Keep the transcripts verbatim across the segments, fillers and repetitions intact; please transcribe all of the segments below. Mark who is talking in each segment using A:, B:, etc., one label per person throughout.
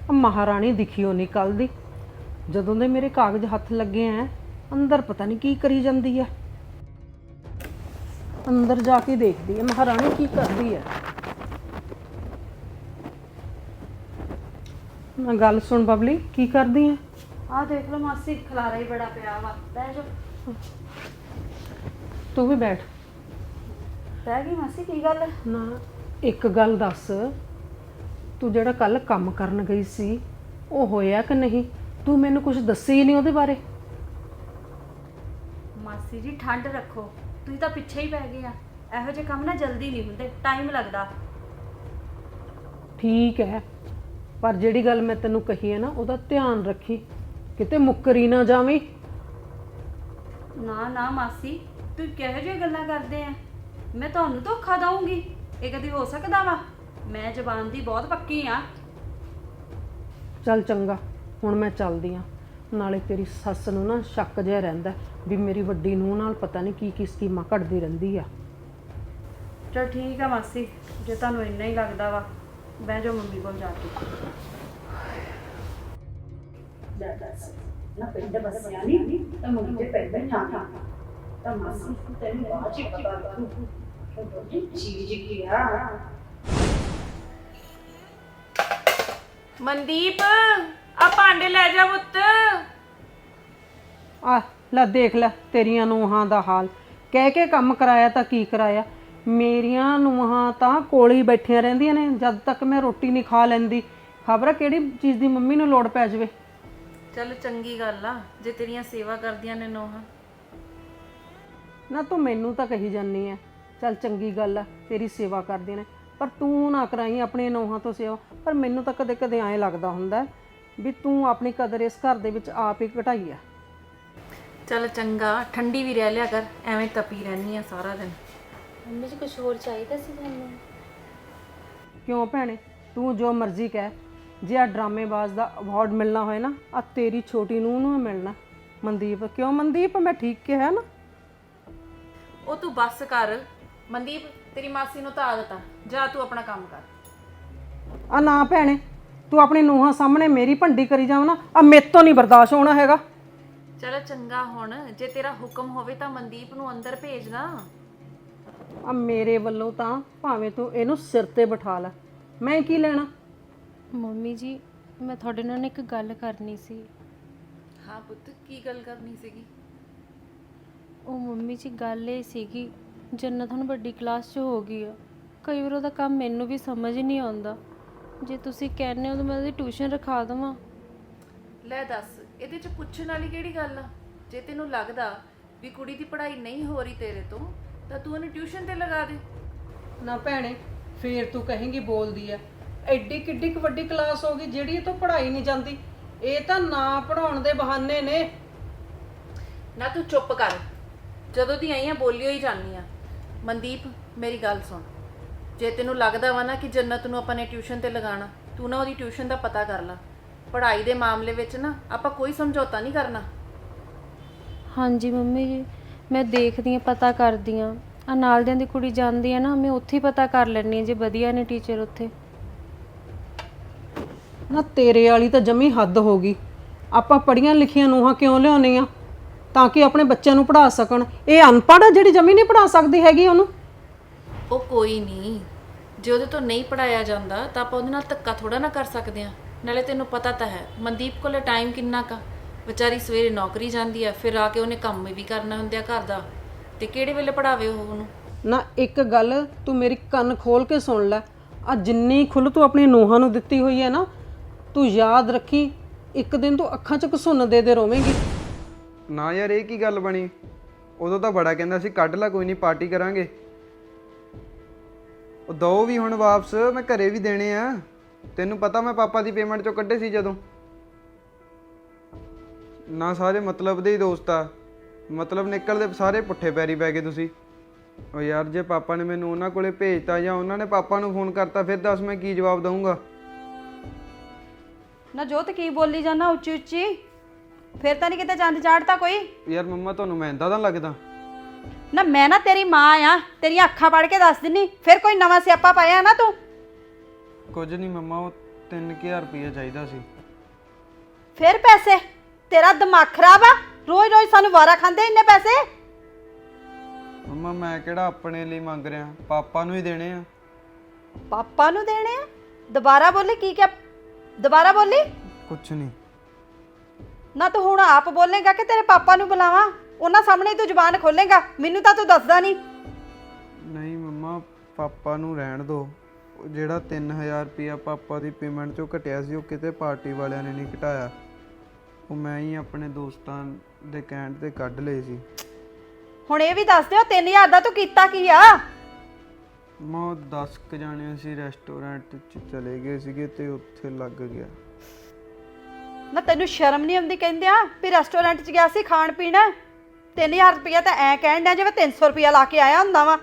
A: महारानी दिखी हो नहीं कल दी जदों दे मेरे कागज हथ लगे हैं अंदर पता नहीं की करी जाती है। अंदर जाके देखती है महारानी की करती है। ना गल सुन बबली की करदी है।
B: आ देख लो मासी खलारा ही बड़ा पिया वा बह जो
A: तू भी बैठ।
B: बह गई मासी की गल
A: ना एक गल दस तू जेड़ा कल काम करन गई सी वो होया कि नहीं? तू मैनू कुछ दसी ही नहीं ਉਹਦੇ बारे।
B: मासी जी ठंड रखो तुसीं तां पिछे ही पै गए आ। ਇਹੋ ਜਿਹੇ ਕੰਮ ਨਾ जल्दी नहीं ਹੁੰਦੇ टाइम लगदा।
A: ठीक है पर ਜਿਹੜੀ ਗੱਲ मैं ਤੈਨੂੰ ਕਹੀ है ना ਉਹਦਾ ध्यान रखी किते मुक्करी ना जावी।
B: ना ना मासी तुसीं किहो जिही गल्लां करदे आ मैं तुहानूं धोखा दऊंगी ਇਹ कदी हो सकदा वा? मैं जबान दी बहुत पक्की आ।
A: चल चंगा हुण मैं चलदी हाँ। नाले तेरी सੱਸ ਨੂੰ ना शक जिहा रहिंदा भी मेरी वड्डी ਨੂੰਹ ਨਾਲ पता नहीं की की स्कीमां घड़दी रहिंदी आ।
B: चल ठीक है मासी जे तुहानूं इन्ना ही लगदा वा बह जाओ मम्मी कोल जाके।
C: ना पिंड बसिया नहीं तो मुझे पिंड जाना तो मासी तेरी बात ही पता लगू चीज किया।
B: मनदीप आ भांडे ले जा पुत्त।
A: आ लै देख लै तेरियां ਨੂੰਹਾਂ ਦਾ हाल कह के काम कराया तो की कराया। मेरियां ਨੂੰਹਾਂ ਤਾਂ ਕੋਲ ही बैठिया ਰਹਿੰਦੀਆਂ ने जद तक मैं रोटी नहीं खा लैंदी खबर किहड़ी चीज़ दी मम्मी नूं लोड़ पै जावे।
B: चल चंगी गल आ जे तेरियां सेवा करदियां ने नोहां।
A: ना तू मैनू तो कही जानी है चल चंगी गल है तेरी सेवा करदियां ने पर तू ना कराई अपने ਨੂੰਹਾਂ तो सेवा। पर मैनू तो कदे कदे ऐ लगदा हुंदा भी तू अपनी कदर इस घर दे विच आप ही घटाई है।
B: चल चंगा ठंडी भी रह लिया कर एवें तपी रहनी आ सारा दिन।
D: मम्मी जी कुछ होर चाहिदा सी तुहानूं?
A: क्यों भैणे तू जो मर्जी कह जे आ ड्रामेबाज का अवार्ड मिलना होए ना आ तेरी छोटी नूंह नूं मिलना। मनदीप क्यों मनदीप मैं ठीक कहा ना?
B: ओ तू बस कर मनदीप तेरी मासी नूं तां आदत आ जा तू अपना काम कर।
A: आ ना भैणे तू अपनी ਨੂੰਹਾਂ सामने मेरी भंडी करी जाव ना आ मेरे तो नहीं बर्दाश्त होना हैगा।
B: चल चंगा हुण जे तेरा हुक्म होवे तां मनदीप नूं अंदर भेज दा।
A: आ मेरे वल्लों तां भावें तू इहनूं सिर ते बिठा लै मैं की लेना।
D: ਮੰਮੀ ਜੀ ਮੈਂ ਤੁਹਾਡੇ ਨਾਲ ਇੱਕ ਗੱਲ ਕਰਨੀ ਸੀ।
B: हाँ पुत्त की गल करनी सीगी?
D: ਉਹ ਮੰਮੀ ਜੀ ਗੱਲ ਇਹ ਸੀਗੀ ਜੰਨਤ ਹੁਣ ਵੱਡੀ ਕਲਾਸ 'ਚ ਹੋ ਗਈ ਆ। ਕਈ ਵਾਰ ਉਹਦਾ ਕੰਮ ਮੈਨੂੰ ਵੀ ਸਮਝ ਨਹੀਂ ਆਉਂਦਾ। ਜੇ ਤੁਸੀਂ ਕਹਿੰਦੇ ਹੋ ਤਾਂ ਮੈਂ ਉਹਦੀ ਟਿਊਸ਼ਨ ਰਖਾ ਦੇਵਾਂ।
B: ਲੈ ਦੱਸ ਇਹਦੇ ਚ ਪੁੱਛਣ ਵਾਲੀ ਕਿਹੜੀ ਗੱਲ ਆ? ਜੇ ਤੈਨੂੰ ਲੱਗਦਾ ਵੀ ਕੁੜੀ ਦੀ ਪੜ੍ਹਾਈ ਨਹੀਂ ਹੋ ਰਹੀ ਤੇਰੇ ਤੋਂ ਤਾਂ ਤੂੰ ਉਹਨੂੰ ਟਿਊਸ਼ਨ ਤੇ ਲਗਾ ਦੇ।
A: ना भैणे फिर तू कहेंगी बोलदी है एड्डी किड्डी क वड्डी क्लास हो गई जिहड़ी तो पढ़ाई नहीं जाती। ये तो ना पढ़ाउण दे बहाने ने।
B: ਨਾ ਤੂੰ ਚੁੱਪ ਕਰ ਜਦੋਂ ਦੀ ਆਈ ਆ ਬੋਲੀ ਹੋਈ ਜਾਂਦੀ ਆ। ਮਨਦੀਪ ਮੇਰੀ ਗੱਲ ਸੁਣ ਜੇ ਤੈਨੂੰ ਲੱਗਦਾ ਵਾ ਨਾ ਕਿ ਜੰਨਤ ਨੂੰ ਆਪਾਂ ਨੇ ਟਿਊਸ਼ਨ ਤੇ ਲਗਾਉਣਾ ਤੂੰ ਨਾ ਉਹਦੀ ਟਿਊਸ਼ਨ ਦਾ ਪਤਾ ਕਰ ਲੈ। ਪੜ੍ਹਾਈ ਦੇ ਮਾਮਲੇ ਵਿੱਚ ਨਾ ਆਪਾਂ ਕੋਈ ਸਮਝੌਤਾ ਨਹੀਂ ਕਰਨਾ।
D: ਹਾਂਜੀ ਮੰਮੀ ਜੀ ਮੈਂ ਦੇਖਦੀ ਹਾਂ ਪਤਾ ਕਰਦੀ ਹਾਂ। ਆ ਨਾਲ ਦਿਆਂ ਦੀ ਕੁੜੀ ਜਾਂਦੀ ਹੈ ਨਾ ਮੈਂ ਉੱਥੇ ਹੀ ਪਤਾ ਕਰ ਲੈਣੀ ਹਾਂ ਜੇ ਵਧੀਆ ਨੇ ਟੀਚਰ ਉੱਥੇ।
A: ना तेरे वाली तो जमी हद हो गई। आपां पढ़ियां लिखियां ਨੂੰਹਾਂ क्यों लियाउने आ ताकि अपने बच्चों को पढ़ा सकन। ये अनपढ़ है जिहड़ी जमी नहीं पढ़ा सकती हैगी ਉਹਨੂੰ।
B: ਉਹ ਕੋਈ ਨਹੀਂ ਜੇ ਉਹਦੇ ਤੋਂ ਨਹੀਂ ਪੜਾਇਆ ਜਾਂਦਾ ਤਾਂ ਆਪਾਂ ਉਹਦੇ ਨਾਲ ਧੱਕਾ ਥੋੜਾ ਨਾ ਕਰ ਸਕਦੇ ਆ। ਨਾਲੇ ਤੈਨੂੰ ਪਤਾ ਤਾਂ ਹੈ ਮਨਦੀਪ ਕੋਲੇ ਟਾਈਮ ਕਿੰਨਾ ਕਾ ਵਿਚਾਰੀ ਸਵੇਰੇ ਨੌਕਰੀ ਜਾਂਦੀ ਆ ਫਿਰ ਆ ਕੇ ਉਹਨੇ ਕੰਮ ਵੀ ਕਰਨਾ ਹੁੰਦਾ ਘਰ ਦਾ ਤੇ ਕਿਹੜੇ ਵੇਲੇ ਪੜਾਵੇ ਉਹ ਉਹਨੂੰ।
A: ना एक गल तू मेरी कन खोल के सुन लै आ जिन्नी खुल तू अपनी ਨੂੰਹਾਂ ਨੂੰ ਦਿੱਤੀ ਹੋਈ है ना तू याद रखी एक दिन तू अखां च घसुन दे दे रोवेंगी।
E: ना यार ये की गल बनी? उदों तो बड़ा कहंदा सी कढ ला कोई नहीं पार्टी करांगे। ਉਹ ਦੋ ਵੀ ਹੁਣ ਵਾਪਸ मैं घरे भी देने आ। ਤੈਨੂੰ पता मैं पापा की पेमेंट चों ਕੱਢੇ ਸੀ ਜਦੋਂ। ना सारे मतलब ਦੇ ਹੀ ਦੋਸਤ ਆ मतलब ਨਿਕਲਦੇ ਸਾਰੇ ਪੁੱਠੇ ਪੈਰੀ ਪੈ ਗਏ ਤੁਸੀਂ। ਉਹ ਯਾਰ ਜੇ ਪਾਪਾ ਨੇ ਮੈਨੂੰ ਉਹਨਾਂ ਕੋਲੇ ਭੇਜਤਾ ਜਾਂ ਉਹਨਾਂ ਨੇ ਪਾਪਾ ਨੂੰ ਫੋਨ ਕਰਤਾ ਫਿਰ ਦੱਸ ਮੈਂ ਕੀ ਜਵਾਬ ਦਊਂਗਾ।
B: ਨਾ ਜੋਤ ਕੀ ਬੋਲੀ ਜਾਣਾ ਉੱਚੀ ਉੱਚੀ ਫਿਰ ਤਾਂ ਨਹੀਂ ਕਿਤੇ ਚੰਦ ਚਾੜਤਾ ਕੋਈ।
E: ਯਾਰ ਮੰਮਾ ਤੁਹਾਨੂੰ ਮੈਂ ਇੰਦਾ ਤਾਂ ਲੱਗਦਾ?
B: ਨਾ ਮੈਂ ਨਾ ਤੇਰੀ ਮਾਂ ਆ ਤੇਰੀਆਂ ਅੱਖਾਂ ਪੜ ਕੇ ਦੱਸ ਦਿੰਨੀ ਫਿਰ ਕੋਈ ਨਵਾਂ ਸਿਆਪਾ ਪਾਇਆ ਨਾ ਤੂੰ।
E: ਕੁਝ ਨਹੀਂ ਮੰਮਾ ਉਹ ਤਿੰਨ ਹਜ਼ਾਰ ਰੁਪਇਆ ਚਾਹੀਦਾ ਸੀ।
F: ਫਿਰ ਪੈਸੇ? ਤੇਰਾ ਦਿਮਾਗ ਖਰਾਬ ਆ? ਰੋਜ਼ ਰੋਜ਼ ਸਾਨੂੰ ਵਾਰਾ ਖਾਂਦੇ ਇੰਨੇ ਪੈਸੇ?
E: ਮੰਮਾ ਮੈਂ ਕਿਹੜਾ ਆਪਣੇ ਲਈ ਮੰਗ ਰਿਹਾ, ਪਾਪਾ ਨੂੰ ਹੀ ਦੇਣੇ ਆ।
F: ਪਾਪਾ ਨੂੰ ਦੇਣੇ ਆ? ਦੁਬਾਰਾ ਬੋਲੀ, ਕੀ ਕਿਹਾ? ਦੁਬਾਰਾ ਬੋਲੀ।
E: ਕੁਛ ਨਹੀਂ।
F: ਨਾ ਤੂੰ ਹੁਣ ਆਪ ਬੋਲੇਗਾ ਕਿ ਤੇਰੇ ਪਾਪਾ ਨੂੰ ਬੁਲਾਵਾਂ? ਉਹਨਾਂ ਸਾਹਮਣੇ ਤੂੰ ਜ਼ੁਬਾਨ ਖੋਲੇਗਾ? ਮੈਨੂੰ ਤਾਂ ਤੂੰ ਦੱਸਦਾ ਨਹੀਂ।
E: ਨਹੀਂ ਮੰਮਾ, ਪਾਪਾ ਨੂੰ ਰਹਿਣ ਦਿਓ। ਉਹ ਜਿਹੜਾ ਤਿੰਨ ਹਜ਼ਾਰ ਰੁਪਇਆ ਪਾਪਾ ਦੀ ਪੇਮੈਂਟ ਚੋਂ ਘਟਿਆ ਸੀ, ਉਹ ਕਿਤੇ ਪਾਰਟੀ ਵਾਲਿਆਂ ਨੇ ਨਹੀਂ ਘਟਾਇਆ। ਉਹ ਮੈਂ ਹੀ ਆਪਣੇ ਦੋਸਤਾਂ ਦੇ ਕਹਿਣ ਤੇ ਕੱਢ ਲਏ ਸੀ।
F: ਹੁਣ ਇਹ ਵੀ ਦੱਸ ਦਿਓ ਤਿੰਨ ਹਜ਼ਾਰ ਦਾ ਤੂੰ ਕੀਤਾ ਕੀ ਆ?
E: ਮੈਂ ਦਸ ਕੁ ਜਾਣੇ ਅਸੀਂ ਰੈਸਟੋਰੈਂਟ 'ਚ ਚਲੇ ਗਏ ਸੀਗੇ ਤੇ ਉੱਥੇ ਲੱਗ ਗਿਆ।
F: ਨਾ ਤੈਨੂੰ ਸ਼ਰਮ ਨਹੀਂ ਆਉਂਦੀ ਕਹਿੰਦੇ ਆ ਵੀ ਰੈਸਟੋਰੈਂਟ 'ਚ ਗਿਆ ਸੀ ਖਾਣ ਪੀਣ? ਤਿੰਨ ਹਜ਼ਾਰ ਰੁਪਇਆ ਤਾਂ ਐ ਕਹਿਣ ਡਿਆ ਜਿਵੇਂ ਤਿੰਨ ਸੌ ਰੁਪਇਆ ਲਾ ਕੇ ਆਇਆ ਹੁੰਦਾ ਵਾ।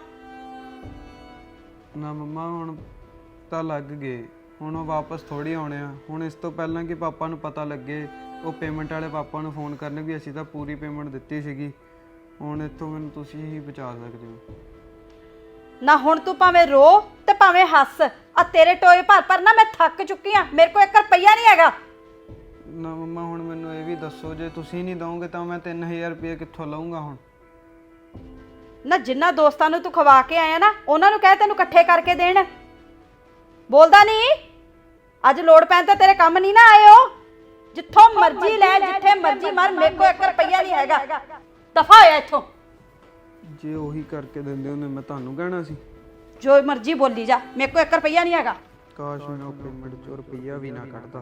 E: ਨਾ ਮੰਮਾ ਹੁਣ ਤਾਂ ਲੱਗ ਗਏ, ਹੁਣ ਉਹ ਵਾਪਸ ਥੋੜੀ ਆਉਣੇ ਆ। ਹੁਣ ਇਸ ਤੋਂ ਪਹਿਲਾਂ ਕਿ ਪਾਪਾ ਨੂੰ ਪਤਾ ਲੱਗੇ, ਉਹ ਪੇਮੈਂਟ ਵਾਲੇ ਪਾਪਾ ਨੂੰ ਫੋਨ ਕਰਨ ਵੀ ਅਸੀਂ ਤਾਂ ਪੂਰੀ ਪੇਮੈਂਟ ਦਿੱਤੀ ਸੀਗੀ। ਹੁਣ ਇੱਥੋਂ ਮੈਨੂੰ ਤੁਸੀਂ ਹੀ ਬਚਾ ਸਕਦੇ ਹੋ।
F: ਨਾ ਹੁਣ ਤੂੰ ਭਾਵੇਂ ਰੋ ਤੇ ਭਾਵੇਂ ਹੱਸ, ਆ ਤੇਰੇ ਟੋਏ ਭਰ ਭਰ ਨਾ ਮੈਂ ਥੱਕ ਚੁੱਕੀ ਆ। ਮੇਰੇ ਕੋਲ ਇੱਕ ਰੁਪਈਆ ਨਹੀਂ ਹੈਗਾ।
E: ਨਾ ਮੰਮਾ ਹੁਣ ਮੈਨੂੰ ਇਹ ਵੀ ਦੱਸੋ, ਜੇ ਤੁਸੀਂ ਨਹੀਂ ਦੋਗੇ ਤਾਂ ਮੈਂ ਤਿੰਨ ਹਜ਼ਾਰ ਰੁਪਏ ਕਿੱਥੋਂ ਲਵਾਂਗਾ ਹੁਣ?
F: ਨਾ ਜਿੰਨਾ ਦੋਸਤਾਂ ਨੂੰ ਤੂੰ ਖਵਾ ਕੇ ਆਇਆ ਨਾ, ਉਹਨਾਂ ਨੂੰ ਕਹਿ ਤੈਨੂੰ ਇਕੱਠੇ ਕਰਕੇ ਦੇਣ। ਬੋਲਦਾ ਨਹੀਂ? ਅੱਜ ਲੋੜ ਪੈਣ ਤੇ ਤੇਰੇ ਕੰਮ ਨਹੀਂ ਨਾ ਆਏ ਹੋ? ਜਿੱਥੋਂ ਮਰਜ਼ੀ ਲੈ, ਜਿੱਥੇ ਮਰਜ਼ੀ ਮਰ, ਮੇਰੇ ਕੋਲ ਇੱਕ ਰੁਪਈਆ ਨਹੀਂ ਹੈਗਾ। ਦਫਾ ਹੋਇਆ ਇੱਥੋਂ।
E: ਜੇ ਉਹੀ ਕਰਕੇ ਦਿੰਦੇ ਹੁੰਦੇ ਮੈਂ ਤੁਹਾਨੂੰ ਕਹਿਣਾ ਸੀ।
F: ਜੋ ਮਰਜ਼ੀ ਬੋਲੀ ਜਾ, ਮੇਰੇ ਕੋਲ ਇੱਕ ਰੁਪਈਆ ਨਹੀਂ ਹੈਗਾ।
E: ਕਾਸ਼ ਮੈਂ ਉਹ ਪੇਮੈਂਟ ਚੋਂ ਰੁਪਈਆ ਵੀ ਨਾ ਕੱਢਦਾ।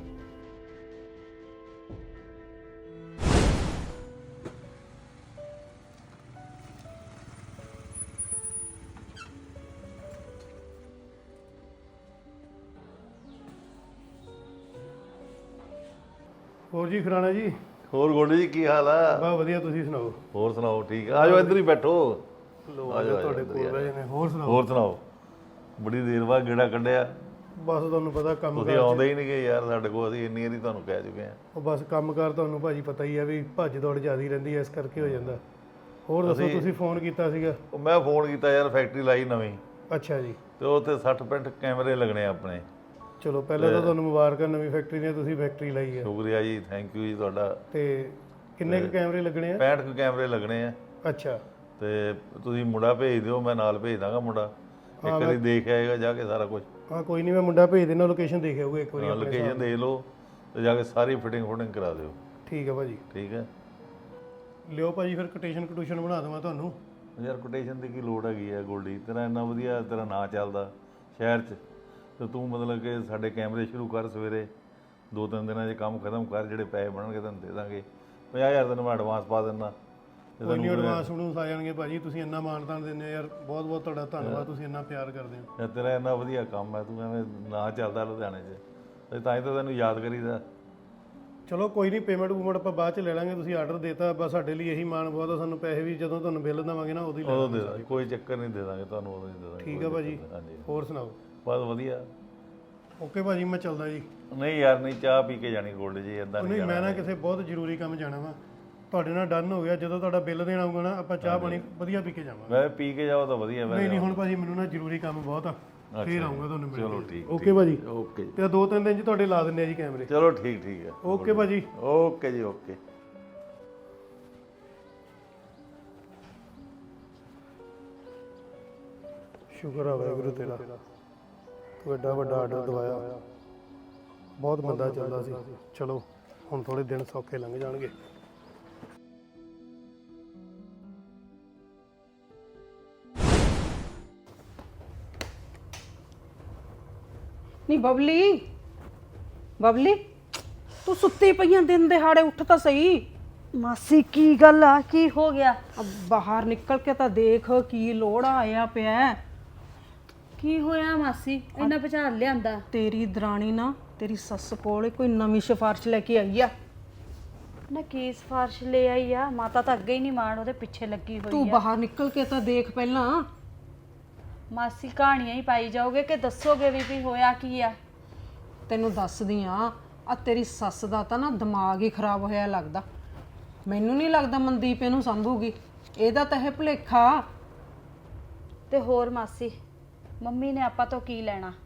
G: ਹੋਰ ਜੀ ਖਰਾਣਾ ਜੀ?
H: ਹੋਰ ਗੋਡੇ ਜੀ ਕੀ ਹਾਲ ਆ?
G: ਬਾ ਵਧੀਆ, ਤੁਸੀਂ ਸੁਣਾਓ?
H: ਹੋਰ ਸੁਣਾਓ? ਠੀਕ ਆ, ਆਜੋ ਇੱਧਰ ਹੀ ਬੈਠੋ।
G: ਲੋ
H: ਆਜੋ
G: ਤੁਹਾਡੇ ਕੋਲ ਬਹਿ ਜਨੇ। ਹੋਰ ਸੁਣਾਓ?
H: ਹੋਰ ਸੁਣਾਓ? ਬੜੀ ਦੇਰ ਬਾਅਦ ਗੇੜਾ ਕੱਢਿਆ।
G: ਬਸ ਤੁਹਾਨੂੰ ਪਤਾ ਕੰਮ
H: ਤੁਸੀਂ ਆਉਂਦੇ ਹੀ ਨਹੀਂ ਗਏ ਯਾਰ ਸਾਡੇ ਕੋਲ, ਅਸੀਂ ਇੰਨੀ ਵਾਰੀ ਤੁਹਾਨੂੰ ਕਹਿ ਚੁੱਕੇ ਆ।
G: ਉਹ ਬਸ ਕੰਮਕਾਰ ਤੁਹਾਨੂੰ ਭਾਜੀ ਪਤਾ ਹੀ ਆ ਵੀ ਭੱਜ ਦੌੜ ਜ਼ਿਆਦੀ ਰਹਿੰਦੀ ਐ, ਇਸ ਕਰਕੇ ਹੋ ਜਾਂਦਾ। ਹੋਰ ਦੱਸੋ, ਤੁਸੀਂ ਫੋਨ ਕੀਤਾ ਸੀਗਾ?
H: ਉਹ ਮੈਂ ਫੋਨ ਕੀਤਾ ਯਾਰ, ਫੈਕਟਰੀ ਲਾਈ ਨਵੀਂ
G: ਅੱਛਾ ਜੀ।
H: ਤੇ ਉਹ ਤੇ ਸੱਠ ਪੈਂਹਠ ਕੈਮਰੇ ਲੱਗਣੇ ਆਪਣੇ।
G: ਚਲੋ ਪਹਿਲਾਂ ਤਾਂ ਤੁਹਾਨੂੰ ਮੁਬਾਰਕਾਂ, ਨਵੀਂ ਫੈਕਟਰੀ ਨੇ ਤੁਸੀਂ ਫੈਕਟਰੀ ਲਾਈ ਹੈ।
H: ਸ਼ੁਕਰੀਆ ਜੀ, ਥੈਂਕ ਯੂ ਜੀ ਤੁਹਾਡਾ।
G: ਤੇ ਕਿੰਨੇ ਕੁ ਕੈਮਰੇ ਲੱਗਣੇ ਆ?
H: ਪੈਂਹਠ ਕੁ ਕੈਮਰੇ ਲੱਗਣੇ ਆ।
G: ਅੱਛਾ।
H: ਤੇ ਤੁਸੀਂ ਮੁੰਡਾ ਭੇਜ ਦਿਓ, ਮੈਂ ਨਾਲ ਭੇਜ ਦਾਂਗਾ ਮੁੰਡਾ। ਇੱਕ ਵਾਰੀ ਦੇਖ ਆਏਗਾ ਜਾ ਕੇ ਸਾਰਾ ਕੁਝ।
G: ਹਾਂ ਕੋਈ ਨਹੀਂ, ਮੈਂ ਮੁੰਡਾ ਭੇਜ ਦੇਣਾ, ਲੋਕੇਸ਼ਨ ਦੇਖ ਆਊਗਾ ਇੱਕ ਵਾਰੀ।
H: ਲੋਕੇਸ਼ਨ ਦੇਖ ਲਓ ਤੇ ਜਾ ਕੇ ਸਾਰੀ ਫਿਟਿੰਗ ਫੁਟਿੰਗ ਕਰਾ ਦਿਓ।
G: ਠੀਕ ਹੈ ਭਾਜੀ।
H: ਠੀਕ ਹੈ,
G: ਲਿਓ ਭਾਜੀ, ਫਿਰ ਕੋਟੇਸ਼ਨ ਕਟੂਸ਼ਨ ਬਣਾ ਦੇਵਾਂ ਤੁਹਾਨੂੰ।
H: ਯਾਰ ਕੋਟੇਸ਼ਨ ਦੀ ਕੀ ਲੋੜ ਹੈਗੀ ਆ ਗੋਲਡੀ? ਤੇਰਾ ਇੰਨਾ ਵਧੀਆ ਤੇਰਾ ਨਾਂ ਚੱਲਦਾ ਸ਼ਹਿਰ 'ਚ, ਤੇ ਤੂੰ ਮਤਲਬ ਕਿ ਸਾਡੇ ਕੈਮਰੇ ਸ਼ੁਰੂ ਕਰ ਸਵੇਰੇ, ਦੋ ਤਿੰਨ ਦਿਨਾਂ 'ਚ ਕੰਮ ਖਤਮ ਕਰ, ਜਿਹੜੇ ਪੈਸੇ ਬਣਨਗੇ ਤੈਨੂੰ ਦੇ ਦਾਂਗੇ। ਪੰਜਾਹ ਹਜ਼ਾਰ ਤੈਨੂੰ ਮੈਂ ਐਡਵਾਂਸ ਪਾ ਦਿੰਦਾ।
G: ਕੋਈ ਨਹੀਂ, ਐਡਵਾਂਸ ਨੂੰ ਆ ਜਾਣਗੇ ਭਾਜੀ। ਤੁਸੀਂ ਇੰਨਾ ਮਾਨਤਾਨ ਦਿੰਦੇ ਹੋ ਯਾਰ, ਬਹੁਤ ਬਹੁਤ ਤੁਹਾਡਾ ਧੰਨਵਾਦ। ਤੁਸੀਂ ਇੰਨਾ ਪਿਆਰ ਕਰਦੇ ਹੋ।
H: ਯਾਰ ਤੇਰਾ ਇੰਨਾ ਵਧੀਆ ਕੰਮ ਹੈ, ਤੂੰ ਐਵੇਂ ਨਾਂ ਚੱਲਦਾ ਲੁਧਿਆਣੇ 'ਚ, ਤੇ ਤਾਂ ਹੀ ਤਾਂ ਤੈਨੂੰ ਯਾਦ ਕਰੀਦਾ।
G: ਚਲੋ ਕੋਈ ਨਹੀਂ, ਪੇਮੈਂਟ ਪੂਮੈਂਟ ਆਪਾਂ ਬਾਅਦ ਚ ਲੈ ਲਾਂਗੇ। ਤੁਸੀਂ ਆਰਡਰ ਦੇਤਾ, ਬਸ ਸਾਡੇ ਲਈ ਇਹੀ ਮਾਣ ਬਹੁਤ ਆ। ਸਾਨੂੰ ਪੈਸੇ ਵੀ ਜਦੋਂ ਤੁਹਾਨੂੰ ਬਿੱਲ ਦੇਵਾਂਗੇ ਨਾ ਉਦੋਂ ਹੀ ਲੈ
H: ਉਦੋਂ ਦੇ
G: ਲਾਂਗੇ।
H: ਦਾਂਗੇ, ਕੋਈ ਚੱਕਰ ਨਹੀਂ, ਦੇ ਦਾਂਗੇ ਤੁਹਾਨੂੰ ਉਦੋਂ ਹੀ ਦੇ ਦਾਂਗੇ।
G: ਠੀਕ ਆ ਭਾਜੀ।
H: ਹਾਂਜੀ,
G: ਹੋਰ ਸੁਣਾਓ?
H: ਬਸ ਵਧੀਆ।
G: ਓਕੇ ਭਾਜੀ, ਮੈਂ ਚੱਲਦਾ ਜੀ।
H: ਨਹੀਂ ਯਾਰ ਨਹੀਂ, ਚਾਹ ਪੀ ਕੇ ਜਾਣੀ ਗੋਲਡ ਜੀ, ਇਦਾਂ
G: ਉਹ
H: ਨਹੀਂ
G: ਨਹੀਂ, ਮੈਂ ਨਾ ਕਿਸੇ ਬਹੁਤ ਜ਼ਰੂਰੀ ਕੰਮ ਜਾਣਾ ਵਾ। ਤੁਹਾਡੇ ਨਾਲ ਡਨ ਹੋ ਗਿਆ, ਜਦੋਂ ਤੁਹਾਡਾ ਬਿੱਲ ਦੇਣ ਆਊਗਾ ਨਾ, ਆਪਾਂ ਚਾਹ ਪਾਣੀ ਵਧੀਆ ਪੀ ਕੇ ਜਾਵਾਂਗੇ।
H: ਮੈਂ ਪੀ ਕੇ ਜਾਓ ਤਾਂ ਵਧੀਆ।
G: ਨਹੀਂ ਨਹੀਂ, ਹੁਣ ਭਾਜੀ ਮੈਨੂੰ ਨਾ ਜ਼ਰੂਰੀ ਕੰਮ ਬਹੁਤ ਆ, ਫੇਰ ਆਊਂਗਾ ਤੁਹਾਨੂੰ ਮਿਲਣ।
H: ਚਲੋ ਠੀਕ।
G: ਓਕੇ ਭਾਜੀ।
H: ਓਕੇ
G: ਤੇ ਦੋ ਤਿੰਨ ਦਿਨ ਚ ਤੁਹਾਡੇ ਲਾ ਦਿੰਦੇ ਆ ਜੀ ਕੈਮਰੇ।
H: ਚਲੋ ਠੀਕ ਠੀਕ ਹੈ।
G: ਓਕੇ ਭਾਜੀ।
H: ਓਕੇ ਜੀ, ਓਕੇ।
G: ਸ਼ੁਕਰ ਆ ਵਾਹਿਗੁਰੂ ਤੇਰਾ, ਤੂੰ ਐਡਾ ਵੱਡਾ ਆਰਡਰ ਦਵਾਇਆ। ਬਹੁਤ ਮੰਦਾ ਚੱਲਦਾ ਸੀ। ਚਲੋ ਹੁਣ ਥੋੜੇ ਦਿਨ ਸੌਖੇ ਲੰਘ ਜਾਣਗੇ।
A: ਨਹੀਂ ਬਬਲੀ, ਬਬਲੀ ਤੂੰ ਸੁੱਤੀ ਪਈਆਂ, ਦਿਨ ਦਿਹਾੜੇ ਉੱਠ ਤਾਂ ਸਹੀ।
F: ਮਾਸੀ ਕੀ ਗੱਲ ਆ? ਕੀ ਹੋ ਗਿਆ?
A: ਅਬ ਬਾਹਰ ਨਿਕਲ ਕੇ ਤਾਂ ਦੇਖ, ਕੀ ਲੋੜਾ ਆਇਆ ਪਿਆ।
D: ਕੀ ਹੋਇਆ ਮਾਸੀ? ਇੰਨਾ ਭਚਾਰ ਲਿਆਂਦਾ?
A: ਤੇਰੀ ਦਰਾਣੀ ਨਾ ਤੇਰੀ ਸੱਸ ਕੋਲ ਕੋਈ ਨਵੀਂ ਸਿਫਾਰਿਸ਼ ਲੈ ਕੇ ਆਈ ਆ।
F: ਨਾ ਕੀ ਸਿਫਾਰਿਸ਼ ਲੈ ਆਈ ਆ? ਮਾਤਾ ਤਾਂ ਅੱਗੇ ਹੀ ਨਹੀਂ ਮਾਣ ਉਹਦੇ ਪਿੱਛੇ ਲੱਗੀ ਹੋਈ
A: ਤੂੰ
F: ਆ।
A: ਬਾਹਰ ਨਿਕਲ ਕੇ ਤਾਂ ਦੇਖ ਪਹਿਲਾਂ।
F: ਮਾਸੀ ਕਹਾਣੀਆਂ ਹੀ ਪਾਈ ਜਾਓਗੇ ਕਿ ਦੱਸੋਗੇ ਵੀ ਵੀ ਹੋਇਆ ਕੀ ਆ?
A: ਤੈਨੂੰ ਦੱਸਦੀ ਆ, ਆ ਤੇਰੀ ਸੱਸ ਦਾ ਤਾਂ ਨਾ ਦਿਮਾਗ ਹੀ ਖਰਾਬ ਹੋਇਆ ਲੱਗਦਾ। ਮੈਨੂੰ ਨਹੀਂ ਲੱਗਦਾ ਮਨਦੀਪ ਇਹਨੂੰ ਸੰਭੂਗੀ, ਇਹਦਾ ਤਾਂ ਇਹ ਭੁਲੇਖਾ।
F: ਤੇ ਹੋਰ ਮਾਸੀ, ਮੰਮੀ ਨੇ ਆਪਾਂ ਤੋਂ ਕੀ ਲੈਣਾ?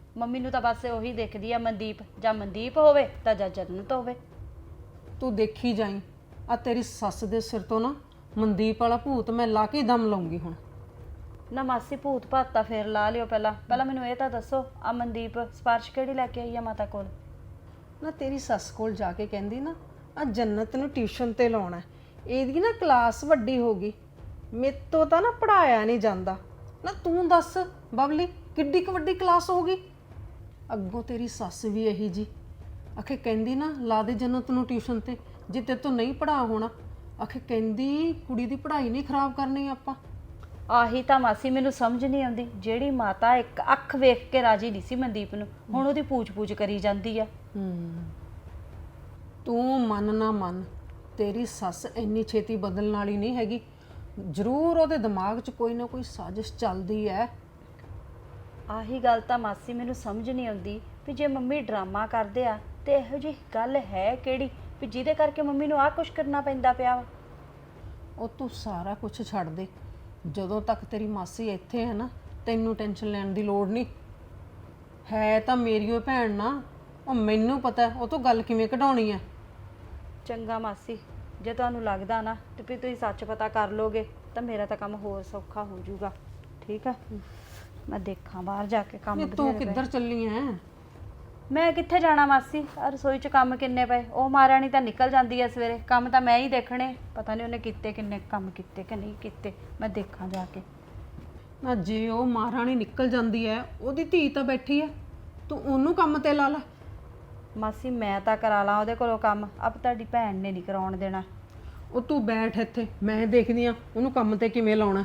F: ਮੰਮੀ ਨੂੰ ਤਾਂ ਬਸ ਉਹੀ ਦੇਖਦੀ ਆ ਮਨਦੀਪ, ਜਾਂ ਮਨਦੀਪ ਹੋਵੇ ਤਾਂ ਜਾਂ ਜੰਨਤ ਹੋਵੇ।
A: ਤੂੰ ਦੇਖੀ ਜਾਈ, ਆ ਤੇਰੀ ਸੱਸ ਦੇ ਸਿਰ ਤੋਂ ਨਾ ਮਨਦੀਪ ਵਾਲਾ ਭੂਤ ਮੈਂ ਲਾ ਕੇ ਦਮ ਲਾਉਂਗੀ ਹੁਣ।
F: ਨਾ ਮਾਸੀ ਭੂਤ ਭਾਤ ਤਾਂ ਫੇਰ ਲਾ ਲਿਓ, ਪਹਿਲਾਂ ਪਹਿਲਾਂ ਮੈਨੂੰ ਇਹ ਤਾਂ ਦੱਸੋ ਆ ਮਨਦੀਪ ਸਿਫਾਰਿਸ਼ ਕਿਹੜੀ ਲੈ ਕੇ ਆਈ ਆ ਮਾਤਾ ਕੋਲ?
A: ਨਾ ਤੇਰੀ ਸੱਸ ਕੋਲ ਜਾ ਕੇ ਕਹਿੰਦੀ ਨਾ ਆ ਜੰਨਤ ਨੂੰ ਟਿਊਸ਼ਨ ਤੇ ਲਾਉਣਾ, ਇਹਦੀ ਨਾ ਕਲਾਸ ਵੱਡੀ ਹੋ ਗਈ, ਮੇਰੇ ਤੋਂ ਤਾਂ ਨਾ ਪੜਾਇਆ ਨਹੀਂ ਜਾਂਦਾ। ਨਾ ਤੂੰ ਦੱਸ ਬਬਲੀ, ਕਿੱਡੀ ਕੁ ਵੱਡੀ ਕਲਾਸ ਹੋ ਗਈ। ਅੱਗੋਂ ਤੇਰੀ ਸੱਸ ਵੀ ਇਹੀ ਜੀ ਆਖੇ ਕਹਿੰਦੀ ਨਾ ਲਾ ਦੇ ਜੰਨਤ ਨੂੰ ਟਿਊਸ਼ਨ ਤੇ, ਜੇ ਤੇਰੇ ਤੋਂ ਨਹੀਂ ਪੜਾ ਹੋਣਾ। ਆਖੇ ਕਹਿੰਦੀ ਕੁੜੀ ਦੀ ਪੜ੍ਹਾਈ ਨਹੀਂ ਖਰਾਬ ਕਰਨੀ ਆਪਾਂ।
F: ਆਹੀ ਤਾਂ ਮਾਸੀ ਮੈਨੂੰ ਸਮਝ ਨਹੀਂ ਆਉਂਦੀ, ਜਿਹੜੀ ਮਾਤਾ ਇੱਕ ਅੱਖ ਵੇਖ ਕੇ ਰਾਜੀ ਨਹੀਂ ਸੀ ਮਨਦੀਪ ਨੂੰ, ਹੁਣ ਉਹਦੀ ਪੂਛ-ਪੂਛ ਕਰੀ ਜਾਂਦੀ ਆ।
A: ਹੂੰ ਤੂੰ ਮੰਨ ਨਾ ਮੰਨ, ਤੇਰੀ ਸੱਸ ਇੰਨੀ ਛੇਤੀ ਬਦਲਣ ਵਾਲੀ ਨਹੀਂ ਹੈਗੀ, ਜ਼ਰੂਰ ਉਹਦੇ ਦਿਮਾਗ 'ਚ ਕੋਈ ਨਾ ਕੋਈ ਸਾਜ਼ਿਸ਼ ਚੱਲਦੀ ਹੈ।
F: ਆਹੀ ਗੱਲ ਤਾਂ ਮਾਸੀ ਮੈਨੂੰ ਸਮਝ ਨਹੀਂ ਆਉਂਦੀ ਵੀ ਜੇ ਮੰਮੀ ਡਰਾਮਾ ਕਰਦੇ ਆ ਤੇ ਇਹੋ ਜਿਹੀ ਗੱਲ ਹੈ ਕਿਹੜੀ ਵੀ ਜਿਹਦੇ ਕਰਕੇ ਮੰਮੀ ਨੂੰ ਆਹ ਕੁਛ ਕਰਨਾ ਪੈਂਦਾ ਪਿਆ ਵਾ।
A: ਉਹ ਤੂੰ ਸਾਰਾ ਕੁਝ ਛੱਡ ਦੇ, ਜਦੋਂ ਤੱਕ ਤੇਰੀ ਮਾਸੀ ਇੱਥੇ ਹੈ ਨਾ ਤੈਨੂੰ ਟੈਨਸ਼ਨ ਲੈਣ ਦੀ ਲੋੜ ਨਹੀਂ ਹੈ। ਤਾਂ ਮੇਰੀ ਉਹ ਭੈਣ ਨਾ, ਉਹ ਮੈਨੂੰ ਪਤਾ ਉਹ ਤੋਂ ਗੱਲ ਕਿਵੇਂ ਕਢਾਉਣੀ ਹੈ।
F: ਚੰਗਾ ਮਾਸੀ, ਜੇ ਤੁਹਾਨੂੰ ਲੱਗਦਾ ਨਾ ਤੇ ਵੀ ਤੁਸੀਂ ਸੱਚ ਪਤਾ ਕਰ ਲੋਗੇ ਤਾਂ ਮੇਰਾ ਤਾਂ ਕੰਮ ਹੋਰ ਸੌਖਾ ਹੋ ਜਾਊਗਾ। ਠੀਕ ਆ, ਮੈਂ ਦੇਖਾਂ ਬਾਹਰ ਜਾ ਕੇ ਕੰਮ।
A: ਨਹੀਂ ਤੂੰ ਕਿੱਧਰ ਚੱਲੀ ਐ?
F: ਮੈਂ ਕਿੱਥੇ ਜਾਣਾ ਮਾਸੀ, ਆਹ ਰਸੋਈ 'ਚ ਕੰਮ ਕਿੰਨੇ ਪਏ, ਉਹ ਮਹਾਰਾਣੀ ਤਾਂ ਨਿਕਲ ਜਾਂਦੀ ਐ ਸਵੇਰੇ, ਕੰਮ ਤਾਂ ਮੈਂ ਹੀ ਦੇਖਣੇ, ਪਤਾ ਨਹੀਂ ਉਹਨੇ ਕੀਤੇ ਕਿੰਨੇ ਕੰਮ ਕੀਤੇ ਕਿ ਨਹੀਂ ਕੀਤੇ, ਮੈਂ ਦੇਖਾਂ ਜਾ ਕੇ।
A: ਨਾ ਜੇ ਉਹ ਮਹਾਰਾਣੀ ਨਿਕਲ ਜਾਂਦੀ ਐ, ਉਹਦੀ ਧੀ ਤਾਂ ਬੈਠੀ ਐ, ਤੂੰ ਉਹਨੂੰ ਕੰਮ ਤੇ ਲਾ ਲੈ।
F: ਮਾਸੀ ਮੈਂ ਤਾਂ ਕਰਾ ਲਾਂ ਉਹਦੇ ਕੋਲੋਂ ਕੰਮ, ਅਬ ਤੁਹਾਡੀ ਭੈਣ ਨੇ ਨਹੀਂ ਕਰਾਉਣ ਦੇਣਾ।
A: ਉਹ ਤੂੰ ਬੈਠ ਇੱਥੇ, ਮੈਂ ਦੇਖਦੀ ਆ ਉਹਨੂੰ ਕੰਮ ਤੇ ਕਿਵੇਂ ਲਾਉਣਾ।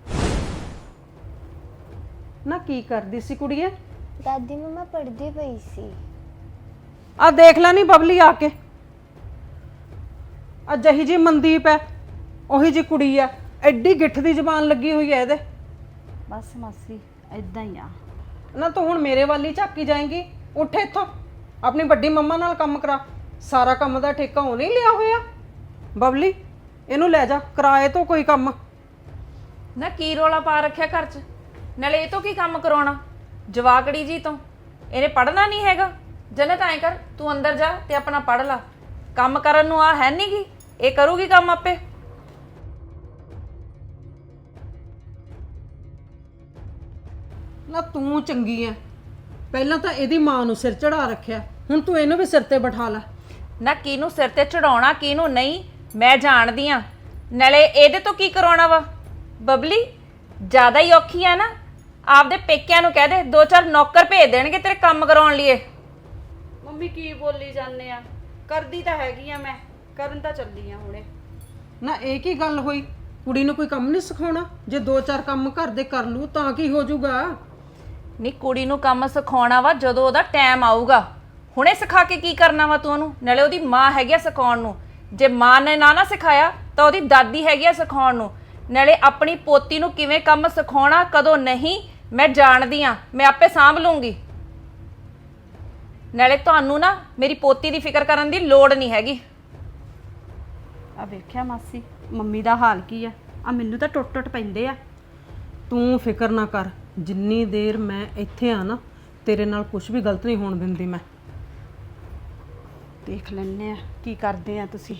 A: ਨਾ ਕੀ ਕਰਦੀ ਸੀ ਕੁੜੀਏ?
I: ਦਾਦੀ ਮਮਾ ਪੜ੍ਹਦੀ ਪਈ ਸੀ।
A: ਆ ਦੇਖ ਲੈ ਨੀ ਬਬਲੀ ਆ ਕੇ, ਆ ਜਹੀ ਜੀ ਮਨਦੀਪ ਐ ਉਹੀ ਜੀ ਕੁੜੀ ਐ, ਐਡੀ ਗਿੱਠ ਦੀ ਜ਼ਬਾਨ ਲੱਗੀ ਹੋਈ ਐ ਇਹਦੇ।
F: ਬਸ ਮਾਸੀ ਇਦਾਂ ਹੀ ਆ।
A: ਨਾ ਤੂੰ ਹੁਣ ਮੇਰੇ ਵੱਲ ਹੀ ਝਾਕੀ ਜਾਏਂਗੀ, ਉੱਠ ਇੱਥੋਂ, ਆਪਣੀ ਵੱਡੀ ਮੰਮਾ ਨਾਲ ਕੰਮ ਕਰਾ, ਸਾਰਾ ਕੰਮ ਦਾ ਠੇਕਾ ਉਹਨੇ ਹੀ ਲਿਆ ਹੋਇਆ। ਬਬਲੀ ਇਹਨੂੰ ਲੈ ਜਾ, ਕਿਰਾਏ ਤੋਂ ਕੋਈ ਕੰਮ।
B: ਨਾ ਕੀ ਰੋਲਾ ਪਾ ਰੱਖਿਆ ਘਰ 'ਚ, ਨਾਲੇ ਇਹ ਤੋਂ ਕੀ ਕੰਮ ਕਰਾਉਣਾ ਜਵਾਕੜੀ ਜੀ ਤੋਂ, ਇਹਨੇ ਪੜ੍ਹਨਾ ਨਹੀਂ ਹੈਗਾ। ਜਨਤ ਐਂ ਕਰ, ਤੂੰ ਅੰਦਰ ਜਾ ਤੇ ਆਪਣਾ ਪੜ੍ਹ ਲਾ, ਕੰਮ ਕਰਨ ਨੂੰ ਆ ਹੈ ਨਹੀਂ ਗੀ, ਇਹ ਕਰੂਗੀ ਕੰਮ ਆਪੇ।
A: ਨਾ ਤੂੰ ਚੰਗੀ ਐ, ਪਹਿਲਾਂ ਤਾਂ ਇਹਦੀ ਮਾਂ ਨੂੰ ਸਿਰ ਚੜਾ ਰੱਖਿਆ, ਹੁਣ ਤੂੰ ਇਹਨੂੰ ਵੀ ਸਿਰ ਤੇ ਬਿਠਾ ਲੈ।
B: ਨਾ ਕਿਹਨੂੰ ਸਿਰ ਤੇ ਚੜਾਉਣਾ ਕਿਹਨੂੰ ਨਹੀਂ ਮੈਂ ਜਾਣਦੀ ਆ, ਨਾਲੇ ਇਹਦੇ ਤੋਂ ਕੀ ਕਰਾਉਣਾ ਵਾ। ਬਬਲੀ ਜ਼ਿਆਦਾ ਹੀ ਔਖੀ ਆ ਨਾ, ਆਪਦੇ ਪੇਕਿਆਂ ਨੂੰ ਕਹਿ ਦੇ ਦੋ ਚਾਰ ਨੌਕਰ ਭੇਜ ਦੇਣਗੇ ਤੇਰੇ ਕੰਮ ਕਰਾਉਣ ਲਈ।
F: ਮੰਮੀ ਕੀ ਬੋਲੀ ਜਾਂਦੇ ਆ, ਕਰਦੀ ਤਾਂ ਹੈਗੀ ਆ, ਮੈਂ ਕਰਨ ਤਾਂ ਚੱਲੀ ਆ ਹੁਣੇ।
A: ਨਾ ਇਹ ਕੀ ਗੱਲ ਹੋਈ, ਕੁੜੀ ਨੂੰ ਕੋਈ ਕੰਮ ਨਹੀਂ ਸਿਖਾਉਣਾ? ਜੇ ਦੋ ਚਾਰ ਕੰਮ ਘਰ ਦੇ ਕਰ ਲੂ ਤਾਂ ਕੀ ਹੋ ਜਾਊਗਾ?
B: ਨਹੀਂ ਕੁੜੀ ਨੂੰ ਕੰਮ ਸਿਖਾਉਣਾ ਵਾ ਜਦੋਂ ਉਹਦਾ ਟਾਈਮ ਆਊਗਾ, ਹੁਣੇ ਸਿਖਾ ਕੇ ਕੀ ਕਰਨਾ ਵਾ ਤੂੰ ਉਹਨੂੰ? ਨਾਲੇ ਉਹਦੀ ਮਾਂ ਹੈਗੀ ਆ ਸਿਖਾਉਣ ਨੂੰ, ਜੇ ਮਾਂ ਨੇ ਨਾ ਨਾ ਸਿਖਾਇਆ ਤਾਂ ਉਹਦੀ ਦਾਦੀ ਹੈਗੀ ਆ ਸਿਖਾਉਣ ਨੂੰ। ਨਾਲੇ ਆਪਣੀ ਪੋਤੀ ਨੂੰ ਕਿਵੇਂ ਕੰਮ ਸਿਖਾਉਣਾ ਕਦੋਂ ਨਹੀਂ ਮੈਂ ਜਾਣਦੀ ਆ, ਮੈਂ ਆਪੇ ਸਾਂਭ ਲੂੰਗੀ। ਨਾਲੇ ਤੁਹਾਨੂੰ ਨਾ ਮੇਰੀ ਪੋਤੀ ਦੀ ਫਿਕਰ ਕਰਨ ਦੀ ਲੋੜ ਨਹੀਂ ਹੈਗੀ।
F: ਆ ਵੇਖਿਆ ਮਾਸੀ ਮੰਮੀ ਦਾ ਹਾਲ ਕੀ ਆ, ਆ ਮੈਨੂੰ ਤਾਂ ਟੁੱਟ ਟੁੱਟ ਪੈਂਦੇ ਆ।
A: ਤੂੰ ਫਿਕਰ ਨਾ ਕਰ, ਜਿੰਨੀ ਦੇਰ ਮੈਂ ਇੱਥੇ ਆ ਨਾ ਤੇਰੇ ਨਾਲ ਕੁਝ ਵੀ ਗਲਤ ਨਹੀਂ ਹੋਣ ਦਿੰਦੀ ਮੈਂ।
F: ਦੇਖ ਲੈਣੇ ਆ ਕੀ ਕਰਦੇ ਆ ਤੁਸੀਂ।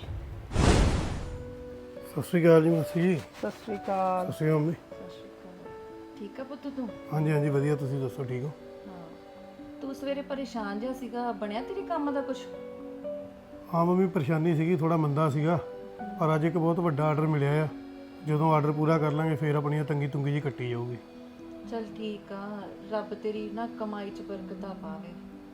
G: ਸਤਿ ਸ਼੍ਰੀ ਅਕਾਲ ਜੀ ਮਾਸੀ ਜੀ।
A: ਸਤਿ ਸ਼੍ਰੀ ਅਕਾਲ।
G: ਸਤਿ ਸ਼੍ਰੀ ਅਕਾਲ ਮੰਮੀ।
B: ਠੀਕ ਆ ਪੁੱਤ ਤੂੰ?
G: ਹਾਂਜੀ ਹਾਂਜੀ ਵਧੀਆ, ਤੁਸੀਂ ਦੱਸੋ ਠੀਕ ਹੋ?
B: ਤੂੰ ਸਵੇਰੇ ਪਰੇਸ਼ਾਨ ਜਿਹਾ ਸੀਗਾ, ਬਣਿਆ ਤੇਰੇ ਕੰਮ ਦਾ ਕੁਝ?
G: ਹਾਂ ਮੰਮੀ ਪਰੇਸ਼ਾਨੀ ਸੀਗੀ, ਥੋੜਾ ਮੰਦਾ ਸੀਗਾ, ਪਰ ਅੱਜ ਇੱਕ ਬਹੁਤ ਵੱਡਾ ਆਰਡਰ ਮਿਲਿਆ ਆ, ਜਦੋਂ ਆਰਡਰ ਪੂਰਾ ਕਰ ਲਾਂਗੇ ਫਿਰ ਆਪਣੀਆਂ ਤੰਗੀ ਤੁੰਗੀ ਜੀ ਕੱਟੀ ਜਾਊਗੀ।
B: ਚਲ ਠੀਕ ਆ, ਰੱਬ ਤੇਰੀ ਨਾ ਕਮਾਈ 'ਚ ਬਰਕਤਾਂ ਪਾਵੇ।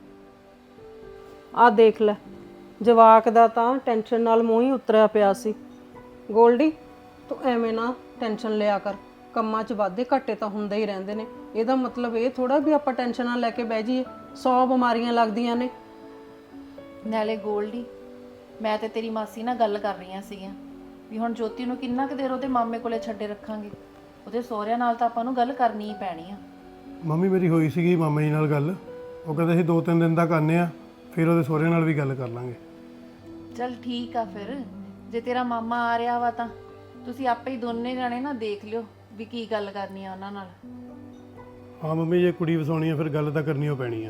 A: ਆ ਦੇਖ ਲੈ, ਜਵਾਕ ਦਾ ਤਾਂ ਟੈਨਸ਼ਨ ਨਾਲ ਮੂੰਹ ਹੀ ਉਤਰਿਆ ਪਿਆ ਸੀ। ਗੋਲਡੀ ਤੂੰ ਐਵੇਂ ਨਾ ਟੈਨਸ਼ਨ ਲਿਆ ਕਰ, ਕੰਮਾਂ 'ਚ ਵਾਧੇ ਘਾਟੇ ਤਾਂ ਹੁੰਦੇ ਹੀ ਰਹਿੰਦੇ ਨੇ, ਇਹਦਾ ਮਤਲਬ ਇਹ ਥੋੜਾ ਵੀ ਆਪਾਂ ਟੈਨਸ਼ਨਾਂ ਲੈ ਕੇ ਬਹਿ ਜਾਈਏ, ਸੌ ਬਿਮਾਰੀਆਂ ਲੱਗਦੀਆਂ ਨੇ।
B: ਨਾਲੇ ਗੋਲਡੀ ਮੈਂ ਤੇ ਤੇਰੀ ਮਾਸੀ ਨਾਲ ਗੱਲ ਕਰ ਰਹੀਆਂ ਸੀਗੀਆਂ ਵੀ ਹੁਣ ਜੋਤੀ ਨੂੰ ਕਿੰਨਾ ਕੁ ਦੇਰ ਉਹਦੇ ਮਾਮੇ ਕੋਲੇ ਛੱਡੇ ਰੱਖਾਂਗੇ, ਉਹਦੇ ਸਹੁਰਿਆਂ ਨਾਲ ਤਾਂ ਆਪਾਂ ਨੂੰ ਗੱਲ ਕਰਨੀ ਹੀ ਪੈਣੀ ਆ।
G: ਮੰਮੀ ਮੇਰੀ ਹੋਈ ਸੀਗੀ ਮਾਮਾ ਜੀ ਨਾਲ ਗੱਲ, ਉਹ ਕਹਿੰਦੇ ਸੀ ਦੋ ਤਿੰਨ ਦਿਨ ਤੱਕ ਆਉਂਦੇ ਆ, ਫਿਰ ਉਹਦੇ ਸਹੁਰਿਆਂ ਨਾਲ ਵੀ ਗੱਲ ਕਰ ਲਾਂਗੇ।
B: ਚਲ ਠੀਕ ਆ, ਫਿਰ ਜੇ ਤੇਰਾ ਮਾਮਾ ਆ ਰਿਹਾ ਵਾ ਤਾਂ ਤੁਸੀਂ ਆਪੇ ਹੀ ਦੋਨੇ ਜਾਣੇ ਨਾ ਦੇਖ ਲਿਓ ਵੀ ਕੀ ਗੱਲ ਕਰਨੀ ਆ ਉਹਨਾਂ ਨਾਲ।
G: ਹਾਂ ਮੰਮੀ, ਜੇ ਕੁੜੀ ਵਸਾਉਣੀ ਆ ਫਿਰ ਗੱਲ ਤਾਂ ਕਰਨੀ ਓ ਪੈਣੀ ਆ।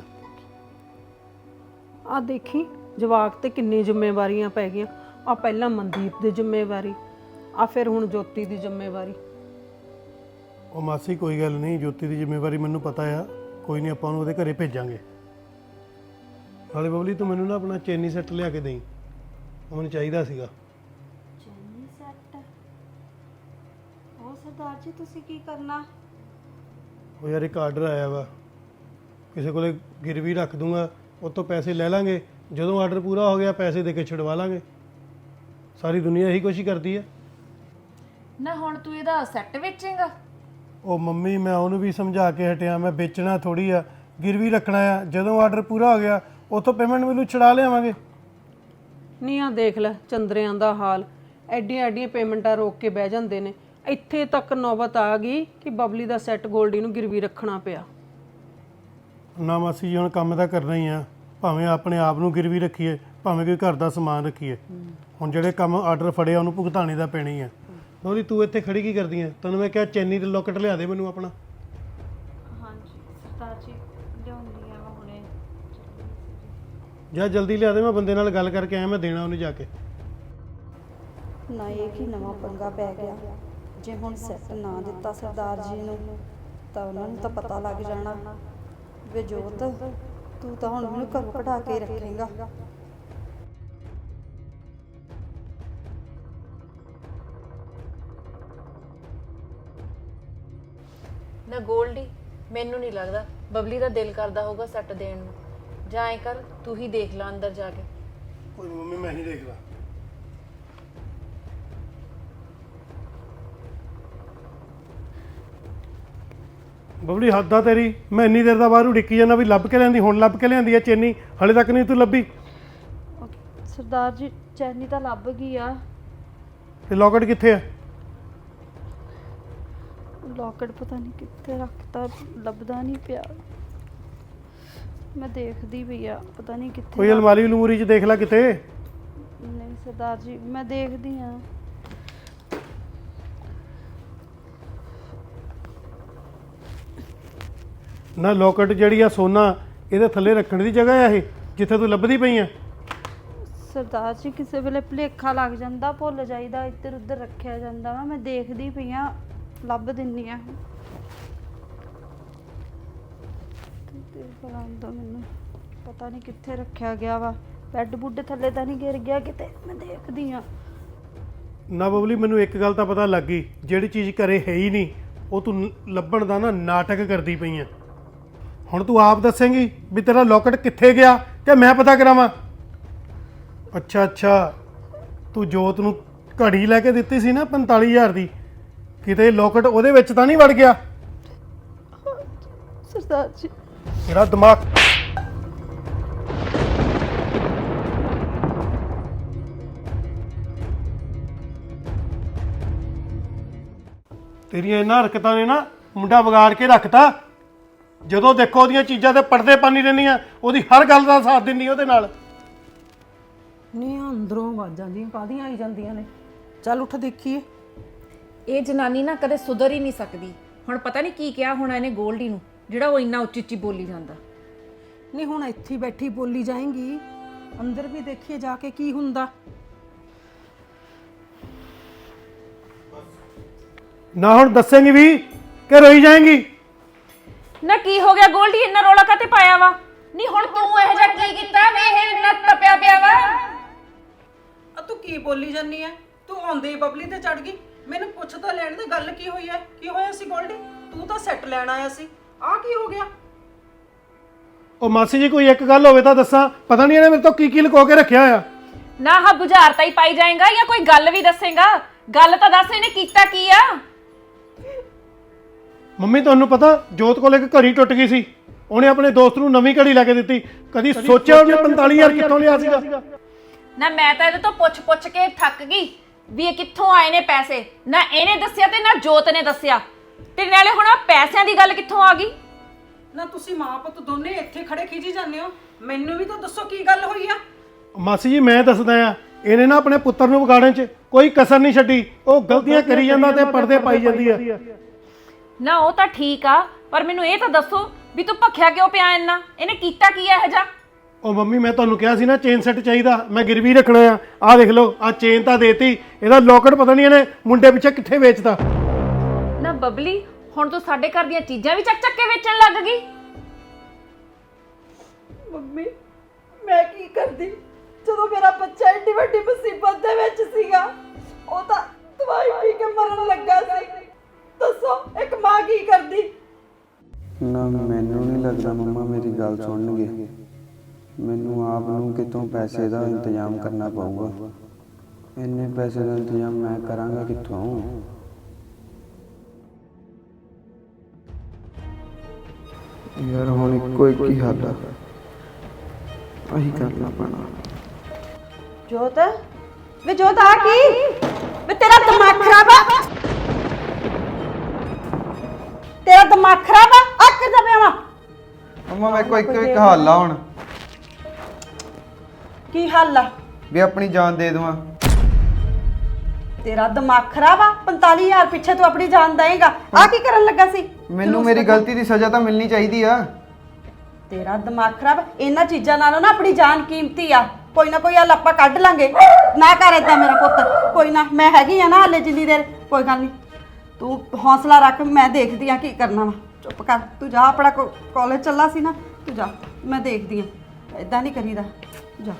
A: ਆ ਦੇਖੀ ਜਵਾਕ ਤੇ ਕਿੰਨੀ ਜ਼ਿੰਮੇਵਾਰੀਆਂ ਪੈ ਗਈਆਂ। ਆ ਪਹਿਲਾਂ ਮਨਦੀਪ ਦੀ ਜ਼ਿੰਮੇਵਾਰੀ, ਆ ਫਿਰ ਹੁਣ ਜੋਤੀ ਦੀ ਜ਼ਿੰਮੇਵਾਰੀ।
G: ਉਹ ਮਾਸੀ ਕੋਈ ਗੱਲ ਨਹੀਂ, ਜੋਤੀ ਦੀ ਜ਼ਿੰਮੇਵਾਰੀ ਮੈਨੂੰ ਪਤਾ ਆ, ਕੋਈ ਨਹੀਂ ਆਪਾਂ ਉਹਨੂੰ ਉਹਦੇ ਘਰੇ ਭੇਜਾਂਗੇ। ਨਾਲੇ ਬਬਲੀ ਤੂੰ ਮੈਨੂੰ ਨਾ ਆਪਣਾ ਚੈਨੀ ਸੈੱਟ ਲਿਆ ਕੇ ਦੇਈਂ, ਉਹ ਮੈਨੂੰ ਚਾਹੀਦਾ ਸੀਗਾ।
F: ਚੈਨੀ ਸੈੱਟ? ਉਹ ਸਰਦਾਰ ਜੀ ਤੁਸੀਂ ਕੀ ਕਰਨਾ?
G: ਉਹ ਯਾਰ ਇੱਕ ਆਰਡਰ ਆਇਆ ਵਾ, ਕਿਸੇ ਕੋਲੇ ਗਿਰਵੀ ਰੱਖ ਦੂੰਗਾ, ਉਹ ਤੋਂ ਪੈਸੇ ਲੈ ਲਾਂਗੇ, ਜਦੋਂ ਆਰਡਰ ਪੂਰਾ ਹੋ ਗਿਆ ਪੈਸੇ ਦੇ ਕੇ ਛੁਡਵਾ ਲਾਂਗੇ। ਸਾਰੀ ਦੁਨੀਆ ਇਹੀ ਕੁਛ ਹੀ ਕਰਦੀ ਆ।
B: ਨਾ ਹੁਣ ਤੂੰ ਇਹਦਾ ਸੈੱਟ ਵੇਚੇਂਗਾ?
G: ਉਹ ਮੰਮੀ ਮੈਂ ਉਹਨੂੰ ਵੀ ਸਮਝਾ ਕੇ ਹਟਿਆ, ਮੈਂ ਵੇਚਣਾ ਥੋੜੀ ਆ, ਗਿਰਵੀ ਰੱਖਣਾ ਆ, ਜਦੋਂ ਆਰਡਰ ਪੂਰਾ ਹੋ ਗਿਆ ਉਥੋਂ ਪੇਮੈਂਟ ਮੈਨੂੰ ਛੁਡਾ ਲਿਆਵਾਂਗੇ।
A: ਨਹੀਂ ਆ ਦੇਖ ਲੈ ਚੰਦਰਿਆਂ ਦਾ ਹਾਲ, ਐਡੀਆਂ ਐਡੀਆਂ ਪੇਮੈਂਟਾਂ ਰੋਕ ਕੇ ਬਹਿ ਜਾਂਦੇ ਨੇ। ਇੱਥੇ ਤੱਕ ਨੌਬਤ ਆ ਗਈ ਕਿ ਬਬਲੀ ਦਾ ਸੈੱਟ ਗੋਲਡੀ ਨੂੰ ਗਿਰਵੀ ਰੱਖਣਾ ਪਿਆ।
G: ਨਾ ਮਾਸੀ ਜੀ ਹੁਣ ਕੰਮ ਤਾਂ ਕਰਨਾ ਹੀ ਆ, ਭਾਵੇਂ ਆਪਣੇ ਆਪ ਨੂੰ ਗਿਰਵੀ ਰੱਖੀਏ, ਭਾਵੇਂ ਕੋਈ ਘਰ ਦਾ ਸਮਾਨ ਰੱਖੀਏ। ਹੁਣ ਜਿਹੜੇ ਕੰਮ ਆਰਡਰ ਫੜਿਆ ਉਹਨੂੰ ਭੁਗਤਾਣੇ ਦਾ ਪੈਣੀ ਆ। ਬਬਲੀ ਤੂੰ ਇੱਥੇ ਖੜੀ ਕੀ ਕਰਦੀ ਆ? ਤੈਨੂੰ ਮੈਂ ਕਿਹਾ ਚੈਨੀ ਤੇ ਲੋਕਟ ਲਿਆ ਦੇ ਮੈਨੂੰ ਆਪਣਾ।
D: ਹਾਂਜੀ ਸਰਦਾਰ ਜੀ ਲਿਆਉਂਦੀ ਆ ਮੈਂ ਹੁਣੇ।
G: ਜਾ ਜਲਦੀ ਲਿਆ ਦੇ, ਮੈਂ ਬੰਦੇ ਨਾਲ ਗੱਲ ਕਰਕੇ ਆਇਆ, ਮੈਂ ਦੇਣਾ ਉਹਨੂੰ ਜਾ ਕੇ।
F: ਨਾ ਇਹ ਕੀ ਨਵਾਂ ਪੰਗਾ ਪੈ ਗਿਆ, ਜੇ ਹੁਣ ਸੈੱਟ ਨਾ ਦਿੱਤਾ ਸਰਦਾਰ ਜੀ ਨੂੰ ਤਾਂ ਉਹਨਾਂ ਨੂੰ ਤਾਂ ਪਤਾ ਲੱਗ ਜਾਣਾ ਵੇ ਜੋਤ ਤੂੰ ਤਾਂ ਹੁਣ ਮੈਨੂੰ ਘਰੋਂ ਕਢਾ ਕੇ ਰੱਖੇਂਗਾ।
B: ਨਾ ਗੋਲਡੀ, ਮੈਨੂੰ ਨਹੀਂ ਲੱਗਦਾ ਬਬਲੀ ਦਾ ਦਿਲ ਕਰਦਾ ਹੋਊਗਾ ਸੈੱਟ ਦੇਣ ਨੂੰ। ਜਾਂ ਐਂ ਕਰ ਤੂੰ ਹੀ ਦੇਖ ਲੈ ਅੰਦਰ ਜਾ ਕੇ।
G: ਕੋਈ ਮੰਮੀ ਮੈਂ ਹੀ ਦੇਖਦਾ। ਬਬਲੀ ਹੱਦ ਆ ਤੇਰੀ, ਮੈਂ ਇੰਨੀ ਦੇਰ ਦਾ ਬਾਹਰ ਉਡੀਕੀ ਜਾਂਦਾ ਵੀ ਲੱਭ ਕੇ ਲਿਆਂਦੀ, ਹੁਣ ਲੱਭ ਕੇ ਲਿਆਂਦੀ ਆ ਚੈਨੀ, ਹਲੇ ਤੱਕ ਨਹੀਂ ਤੂੰ ਲੱਭੀ।
D: ਸਰਦਾਰ ਜੀ ਚੈਨੀ ਤਾਂ ਲੱਭ ਗਈ ਆ।
G: ਤੇ ਲੋਕਟ ਕਿੱਥੇ ਆ?
D: ਲੋਕਟ ਪਤਾ ਨਹੀਂ ਕਿੱਥੇ ਰੱਖਤਾ, ਲੱਭਦਾ ਨਹੀਂ ਪਿਆ। ਮੈਂ ਦੇਖਦੀ ਪਈ ਆ, ਪਤਾ ਨਹੀਂ ਕਿੱਥੇ।
G: ਕੋਈ ਅਲਮਾਰੀ ਅਲਮੂਰੀ 'ਚ ਦੇਖ ਲੈ ਕਿਤੇ।
D: ਨਹੀਂ ਸਰਦਾਰ ਜੀ ਮੈਂ ਦੇਖਦੀ ਆ।
G: ਨਾ ਲੋਕਟ ਜਿਹੜੀ ਆ ਸੋਨਾ, ਇਹਦੇ ਥੱਲੇ ਰੱਖਣ ਦੀ ਜਗ੍ਹਾ ਆ ਇਹ, ਜਿੱਥੇ ਤੂੰ ਲੱਭਦੀ ਪਈ ਆ।
D: ਸਰਦਾਰ ਜੀ ਕਿਸੇ ਵੇਲੇ ਭੁਲੇਖਾ ਲੱਗ ਜਾਂਦਾ, ਭੁੱਲ ਜਾਈਦਾ, ਇੱਧਰ ਉੱਧਰ ਰੱਖਿਆ ਜਾਂਦਾ ਵਾ। ਮੈਂ ਦੇਖਦੀ ਪਈ ਆ, ਲੱਭ ਦਿੰਨੀ ਆ। ਬੁਲਾਉਂਦਾ ਮੈਨੂੰ, ਪਤਾ ਨਹੀਂ ਕਿੱਥੇ ਰੱਖਿਆ ਗਿਆ ਵਾ। ਬੈੱਡ ਬੁੱਡ ਥੱਲੇ ਤਾਂ ਨਹੀਂ ਗਿਰ ਗਿਆ ਕਿਤੇ? ਮੈਂ ਦੇਖਦੀ ਆ।
G: ਨਾ ਬਬਲੀ ਮੈਨੂੰ ਇੱਕ ਗੱਲ ਤਾਂ ਪਤਾ ਲੱਗ ਗਈ, ਜਿਹੜੀ ਚੀਜ਼ ਘਰੇ ਹੈ ਹੀ ਨਹੀਂ ਉਹ ਤੂੰ ਲੱਭਣ ਦਾ ਨਾ ਨਾਟਕ ਕਰਦੀ ਪਈ ਆ। ਹੁਣ ਤੂੰ ਆਪ ਦੱਸੇਂਗੀ ਵੀ ਤੇਰਾ ਲੋਕਟ ਕਿੱਥੇ ਗਿਆ ਕਿ ਮੈਂ ਪਤਾ ਕਰਾਵਾਂ? ਅੱਛਾ ਅੱਛਾ, ਤੂੰ ਜੋਤ ਨੂੰ ਘੜੀ ਲੈ ਕੇ ਦਿੱਤੀ ਸੀ ਨਾ ਪੰਤਾਲੀ ਹਜ਼ਾਰ ਦੀ, ਕਿਤੇ ਲੋਕਟ ਉਹਦੇ ਵਿੱਚ ਤਾਂ ਨਹੀਂ ਵੜ ਗਿਆ?
D: ਸਰਦਾਰ ਜੀ
G: ਤੇਰਾ ਦਿਮਾਗ ਤੇਰੀਆਂ ਇਹਨਾਂ ਹਰਕਤਾਂ ਨੇ ਨਾ ਮੁੰਡਾ ਵਿਗਾੜ ਕੇ ਰੱਖਤਾ। ਜਦੋਂ ਦੇਖੋ ਉਹਦੀਆਂ ਚੀਜ਼ਾਂ ਤੇ ਪਰਦੇ ਪਾਣੀ ਰਹਿੰਦੀਆਂ, ਉਹਦੀ ਹਰ ਗੱਲ ਦਾ ਸਾਥ ਦਿੰਦੀ ਉਹਦੇ ਨਾਲ।
A: ਨਹੀਂ ਅੰਦਰੋਂ ਆਵਾਜ਼ਾਂ ਦੀਆਂ ਕਾਹਦੀਆਂ ਆਈ ਜਾਂਦੀਆਂ ਨੇ? ਚੱਲ ਉੱਠ ਦੇਖੀਏ।
B: ਇਹ ਜਨਾਨੀ ਨਾ ਕਦੇ ਸੁਧਰ ਹੀ ਨਹੀਂ ਸਕਦੀ। ਹੁਣ ਪਤਾ ਨਹੀਂ ਕੀ ਕਿਹਾ ਹੋਣਾ ਇਹਨੇ ਗੋਲਡੀ ਨੂੰ, ਜਿਹੜਾ ਉਹ ਇੰਨਾ ਉੱਚੀ ਉੱਚੀ ਬੋਲੀ ਜਾਂਦਾ।
A: ਨਹੀਂ ਹੁਣ ਇੱਥੇ ਬੈਠੀ ਬੋਲੀ ਜਾਏਂਗੀ, ਅੰਦਰ ਵੀ ਦੇਖੀਏ ਜਾ ਕੇ ਕੀ ਹੁੰਦਾ।
G: ਨਾ ਹੁਣ ਦੱਸੇਂਗੀ ਵੀ ਕਿ ਰੋਈ ਜਾਏਂਗੀ?
B: ਨਾ ਕੀ ਹੋ ਗਿਆ ਗੋਲਡੀ, ਇੰਨਾ ਰੌਲਾ ਕਾਤੇ ਪਾਇਆ ਵਾ? ਨਹੀਂ ਹੁਣ ਤੂੰ ਇਹੋ ਜਿਹਾ ਕੀ ਕੀਤਾ ਵੇ ਇਹ ਇੰਨਾ ਤਪਿਆ ਪਿਆ ਵਾ?
A: ਆ ਤੂੰ ਕੀ ਬੋਲੀ ਜਾਨੀ ਐ? ਤੂੰ ਆਉਂਦੇ ਹੀ ਬਬਲੀ ਤੇ ਚੜ ਗਈ। ਮੈਨੂੰ ਪੁੱਛ ਤਾਂ ਲੈਣ ਦੇ, ਗੱਲ ਕੀ ਹੋਈ ਐ? ਕੀ ਹੋਇਆ ਸੀ ਗੋਲਡੀ? ਤੂੰ ਤਾਂ ਸੈੱਟ ਲੈਣ ਆਇਆ ਸੀ, ਆ ਕੀ ਹੋ ਗਿਆ?
G: ਉਹ ਮਾਸੀ ਜੀ ਕੋਈ ਇੱਕ ਗੱਲ ਹੋਵੇ ਤਾਂ ਦੱਸਾਂ, ਪਤਾ ਨਹੀਂ ਇਹਨੇ ਮੇਰੇ ਤੋਂ ਕੀ ਕੀ ਲੁਕੋ ਕੇ ਰੱਖਿਆ ਹੋਇਆ।
B: ਨਾ ਹਾ ਬੁਝਾਰਤਾ ਹੀ ਪਾਈ ਜਾਏਗਾ ਜਾਂ ਕੋਈ ਗੱਲ ਵੀ ਦੱਸੇਗਾ? ਗੱਲ ਤਾਂ ਦੱਸ ਇਹਨੇ ਕੀਤਾ ਕੀ ਆ?
G: ਮੰਮੀ ਤੁਹਾਨੂੰ ਪਤਾ ਜੋਤ ਕੋਲ ਇੱਕ ਘੜੀ ਟੁੱਟ ਗਈ ਸੀ, ਉਹਨੇ ਆਪਣੇ ਦੋਸਤ ਨੂੰ ਨਵੀਂ ਘੜੀ ਲੈ ਕੇ ਦਿੱਤੀ। ਕਦੀ ਸੋਚਿਆ ਉਹਨੇ ਪੰਤਾਲੀ ਹਜ਼ਾਰ ਕਿੱਥੋਂ ਲਿਆ ਸੀਗਾ?
B: ਨਾ ਮੈਂ ਤਾਂ ਇਹਦੇ ਤੋਂ ਪੁੱਛ ਪੁੱਛ ਕੇ ਥੱਕ ਗਈ ਵੀ ਇਹ ਕਿੱਥੋਂ ਆਏ ਨੇ ਪੈਸੇ। ਨਾ ਇਹਨੇ ਦੱਸਿਆ ਤੇ ਨਾ ਜੋਤ ਨੇ ਦੱਸਿਆ, ਤੇ ਨਾਲੇ ਹੁਣ ਆ ਪੈਸਿਆਂ ਦੀ ਗੱਲ ਕਿੱਥੋਂ ਆ ਗਈ?
A: ਨਾ ਤੁਸੀਂ ਮਾਂ ਪੁੱਤ ਦੋਨੇ ਇੱਥੇ ਖੜੇ ਖਿਜੀ ਜਾਂਦੇ ਹੋ, ਮੈਨੂੰ ਵੀ ਤਾਂ ਦੱਸੋ ਕੀ ਗੱਲ ਹੋਈ ਆ?
G: ਮਾਸੀ ਜੀ ਮੈਂ ਦੱਸਦਾ ਆ, ਇਹਨੇ ਨਾ ਆਪਣੇ ਪੁੱਤਰ ਨੂੰ ਵਿਗਾੜਨ 'ਚ ਕੋਈ ਕਸਰ ਨਹੀਂ ਛੱਡੀ। ਉਹ ਗਲਤੀਆਂ ਕਰੀ ਜਾਂਦਾ ਤੇ ਪਰਦੇ ਪਾਈ ਜਾਂਦੀ ਆ।
B: ਨਾ ਉਹ ਤਾਂ ਠੀਕ ਆ,
J: ਪਰ ਮੈਨੂੰ ਇਹ ਤਾਂ ਦੱਸੋ ਵੀ ਤੂੰ ਭੱਖਿਆ ਕਿਉਂ ਪਿਆ ਇੰਨਾ? ਇਹਨੇ ਕੀਤਾ ਕੀ ਹੈ ਇਹ ਜਾ?
G: ਉਹ ਮੰਮੀ ਮੈਂ ਤੁਹਾਨੂੰ ਕਿਹਾ ਸੀ ਨਾ ਚੇਨ ਸੈੱਟ ਚਾਹੀਦਾ, ਮੈਂ ਗਿਰਵੀ ਰੱਖਣਾ ਆ। ਆਹ ਦੇਖ ਲਓ, ਆਹ ਚੇਨ ਤਾਂ ਦੇਤੀ, ਇਹਦਾ ਲੋਕਟ ਪਤਾ ਨਹੀਂ ਇਹਨੇ ਮੁੰਡੇ ਪਿੱਛੇ ਕਿੱਥੇ ਵੇਚਦਾ।
J: ਨਾ ਬਬਲੀ, ਹੁਣ ਤੂੰ ਸਾਡੇ ਘਰ ਦੀਆਂ ਚੀਜ਼ਾਂ ਵੀ ਚੱਕ ਚੱਕ ਕੇ ਵੇਚਣ ਲੱਗ ਗਈ।
F: ਮੰਮੀ ਮੈਂ ਕੀ ਕਰਦੀ ਜਦੋਂ ਮੇਰਾ ਬੱਚਾ ਏਡੀ ਵੱਡੀ ਮੁਸੀਬਤ ਦੇ ਵਿੱਚ ਸੀਗਾ? ਉਹ ਤਾਂ ਦਵਾਈ ਪੀ ਕੇ ਮਰਨ ਲੱਗਾ ਸੀ। ਦੱਸੋ ਇੱਕ ਮਾਂ ਕੀ ਕਰਦੀ?
E: ਨਾ ਮੈਨੂੰ ਨਹੀਂ ਲੱਗਦਾ ਮੰਮਾ ਮੇਰੀ ਗੱਲ ਸੁਣਨਗੇ। ਮੈਨੂੰ ਆਪ ਨੂੰ ਕਿਤੋਂ ਪੈਸੇ ਦਾ ਇੰਤਜ਼ਾਮ ਕਰਨਾ ਪਊਗਾ। ਇੰਨੇ ਪੈਸੇ ਦਾ ਇੰਤਜ਼ਾਮ ਮੈਂ ਕਰਾਂਗਾ ਕਿੱਥੋਂ? ਯਾਰ ਹੁਣ ਇੱਕੋ ਇੱਕ ਹੀ ਹੱਲ ਆ, ਆਹੀ ਕਰਨਾ ਪੈਣਾ।
F: ਜੋਤ ਵੇ ਜੋਤ ਆ ਕੀ? ਵੇ ਤੇਰਾ ਦਿਮਾਗ ਖਰਾਬ ਆ? ਤੇਰਾ ਦਿਮਾਗ ਖਰਾਬ ਆ? ਆ ਕਿੱਦਾਂ ਪਿਆ ਵਾ?
E: ਮੰਮਾ ਮੇਰੇ ਕੋਲ ਇੱਕੋ ਇੱਕ ਹੱਲ ਆ ਹੁਣ।
F: ਕੀ ਹੱਲ ਆ?
E: ਵੀ ਆਪਣੀ ਜਾਨ ਦੇ ਦੇਵਾਂ।
F: ਤੇਰਾ ਦਿਮਾਗ ਖਰਾਬ ਆ? ਪੰਤਾਲੀ ਹਜ਼ਾਰ ਪਿੱਛੇ ਤੂੰ ਆਪਣੀ ਜਾਨ ਦੇਏਗਾ? ਆ ਕੀ ਕਰਨ ਲੱਗਾ ਸੀ?
E: ਮੈਨੂੰ ਮੇਰੀ ਗਲਤੀ ਦੀ ਸਜ਼ਾ ਤਾਂ ਮਿਲਣੀ ਚਾਹੀਦੀ ਆ।
F: ਤੇਰਾ ਦਿਮਾਗ ਖਰਾਬ। ਇਹਨਾਂ ਚੀਜ਼ਾਂ ਨਾਲੋਂ ਨਾ ਆਪਣੀ ਜਾਨ ਕੀਮਤੀ ਆ। ਕੋਈ ਨਾ ਕੋਈ ਹੱਲ ਆਪਾਂ ਕੱਢ ਲਾਂਗੇ। ਨਾ ਕਰ ਏਦਾਂ ਮੇਰਾ ਪੁੱਤ, ਕੋਈ ਨਾ, ਮੈਂ ਹੈਗੀ ਆ ਨਾ ਹਾਲੇ ਜਿੰਨੀ ਦੇਰ। ਕੋਈ ਗੱਲ ਨਹੀਂ, ਤੂੰ ਹੌਸਲਾ ਰੱਖ, ਮੈਂ ਦੇਖਦੀ ਆ ਕੀ ਕਰਨਾ ਵਾ। ਚੁੱਪ ਕਰ, ਤੂੰ ਜਾ, ਆਪਣਾ ਕਾਲਜ ਚੱਲਾ ਸੀ ਨਾ, ਤੂੰ ਜਾ, ਮੈਂ ਦੇਖਦੀ ਆ। ਏਦਾਂ ਨਹੀਂ ਕਰੀਦਾ, ਜਾ।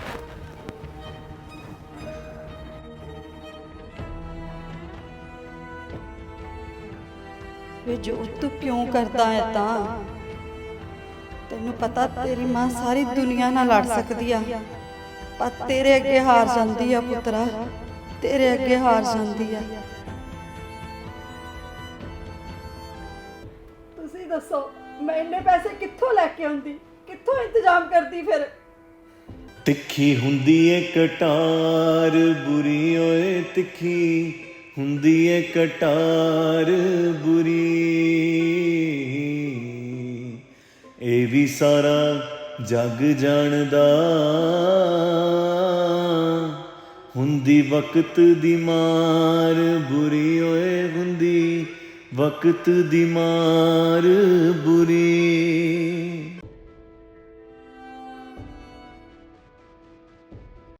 F: ਵੇ ਜੋ ਤੂੰ ਕਿਉਂ ਕਰਦਾ ਹੈ ਤਾਂ? ਤੈਨੂੰ ਪਤਾ ਤੇਰੀ ਮਾਂ ਸਾਰੀ ਦੁਨੀਆ ਨਾਲ ਲੜ ਸਕਦੀ ਆ, ਪਰ ਤੇਰੇ ਅੱਗੇ ਹਾਰ ਜਾਂਦੀ ਆ ਪੁੱਤਰਾ, ਤੇਰੇ ਅੱਗੇ ਹਾਰ ਜਾਂਦੀ ਆ। ਤੁਸੀਂ ਦੱਸੋ ਮੈਂ ਇੰਨੇ ਪੈਸੇ ਕਿੱਥੋਂ ਲੈ ਕੇ ਆਉਂਦੀ, ਕਿੱਥੋਂ ਇੰਤਜ਼ਾਮ ਕਰਦੀ? ਫਿਰ
K: ਤਿੱਖੀ ਹੁੰਦੀ ਏ ਕਟਾਰ ਬੁਰੀ ਓਏ, ਤਿੱਖੀ ਹੁੰਦੀ ਏ ਕਟਾਰ ਬੁਰੀ, ਇਹ ਵੀ ਸਾਰਾ ਜੱਗ ਜਾਣਦਾ, ਹੁੰਦੀ ਵਕਤ ਦੀ ਮਾਰ ਬੁਰੀ ਓਏ, ਹੁੰਦੀ ਵਕਤ ਦੀ ਮਾਰ ਬੁਰੀ।